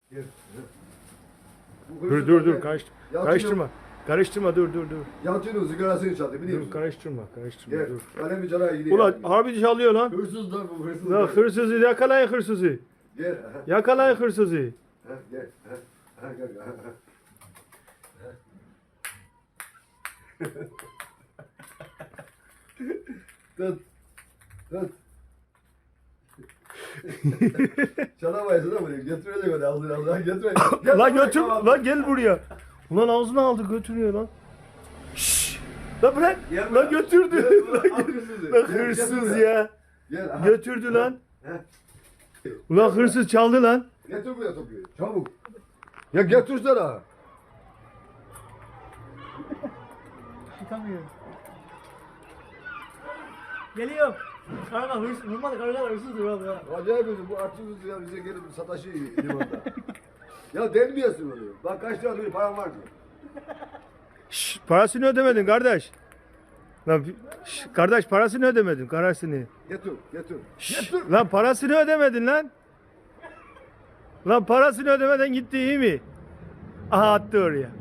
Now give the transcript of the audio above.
Gel. Dur karıştırma. Karıştırma dur. Yalçın'ın sigarasını çaldı biliyor musun? Dur karıştırma Gel. dur. Kalemi cana gidiyor. Ulan harbi çalıyor lan. Hırsız lan bu hırsız. Lan hırsızı yakalayın hırsızı. Gel. Yakalayın hırsızı. Gel. Gel. Tut. Çalamayasın ama götürecek onu ağzına götürecek. Lan götür lan gel buraya. Ulan ağzına aldı götürüyor lan. Şşş. Lan bırak. Lan götürdü. Lan hırsız ya. Gel. Götürdü lan. Ulan hırsız çaldı lan. Getir buraya topuyu. Çabuk. Ya getirsene. Çıkamıyorum. Geliyor. Kanka hırsız vurmadı kanka hırsızdır oğlum ya. Acayip bir bu artçımız ya bize gelip sataşı limanda. Ya delmiyorsun onu. Bak kaç lira bir param var ki. Şşş, parasını ödemedin kardeş. Lan kardeş parasını ödemedin parasını. Getir. Şşş, lan parasını ödemedin lan. Lan parasını ödemeden gitti iyi mi? Aha attı oraya.